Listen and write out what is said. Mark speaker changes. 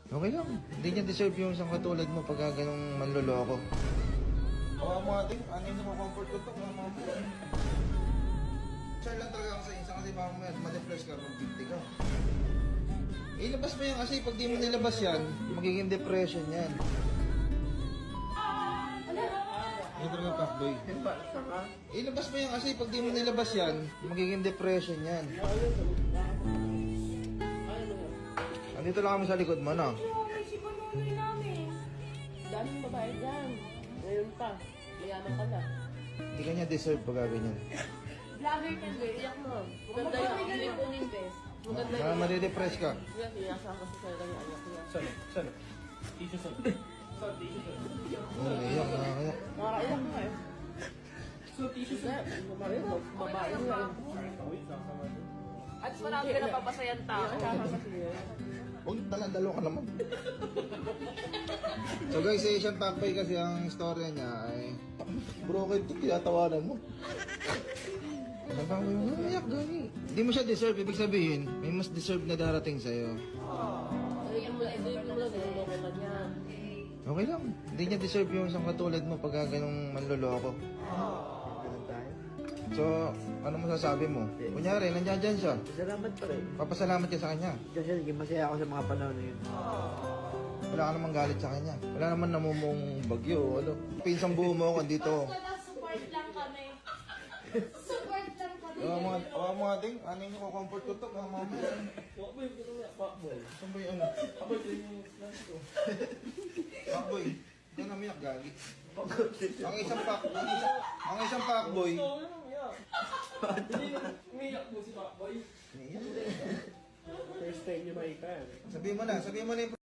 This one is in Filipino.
Speaker 1: Okay lang. Hindi niya deserve yung isang katulad mo pagka ganong manloloko. Oo mga ting, ano yung comfort ko to, mga mama. Sure lang talaga ako sa isa kasi baka ma-depress ka pag 50 ka. Ilabas mo yan kasi pag di mo nilabas yan, magiging depression yan. Ano talaga fuckboy? Ilabas mo yan kasi pag di mo nilabas yan, magiging depression yan. Andito lang kami sa likod mo, no?
Speaker 2: Okay, si Bononoy namin.
Speaker 3: Daming babae dyan. Ngayon pa. Mayaman ka na.
Speaker 1: Hindi ka niya deserve pag ganyan.
Speaker 2: Vlogger ka din.
Speaker 3: Iyak mo. Maganda yan. Hindi po invest. Maganda yan.
Speaker 1: Madidepress ka.
Speaker 3: Iyak, iyasan kasi sa'yo lang yung anak niya.
Speaker 4: Saan? Tissue saan? Saan tissue saan?
Speaker 1: Oo, iyak, nakakayak.
Speaker 3: Nakakaiyak nga eh.
Speaker 4: So tissue
Speaker 3: Sir, babae mo. Babae mo yan.
Speaker 4: Wait, sasama doon.
Speaker 2: At marami ka napapasayan tao.
Speaker 1: Huwag dala-dalo ka naman. So guys, si Asian Pampay kasi ang istorya niya ay broken to, tinatawanan mo. Sabi mo, umiyak gani. Hindi mo siya deserve, ibig sabihin, may mas deserve na darating sa'yo.
Speaker 3: Ayun mo lang, niloloko ka niya.
Speaker 1: Okay lang, hindi niya deserve yung isang katulad mo pagka ganong manloloko. So, ano masasabi mo? Kunyari, nandiyan dyan siya.
Speaker 5: Salamat pa rin.
Speaker 1: Papasalamat ka sa kanya.
Speaker 5: Kasi naging masaya ako sa mga panahon na yun.
Speaker 1: Wala ka namang galit sa kanya. Wala naman namumong bagyo. Ano? Pinsang buo mo ako dito.
Speaker 2: Support lang kami. Support lang kami.
Speaker 1: Mga ding, ano yung comfort ko to? Mga mama.
Speaker 4: Fuckboy, ito nga. Fuckboy.
Speaker 1: Saan ba yung ano?
Speaker 4: Fuckboy, ito yung snatch ko.
Speaker 1: Fuckboy. Ito na miyak, gagi. Ang isang fuckboy.
Speaker 4: Ito, ano umiyak? Hindi, umiyak mo si Fuckboy. First time niyo makita yan.
Speaker 1: Sabihin mo na yung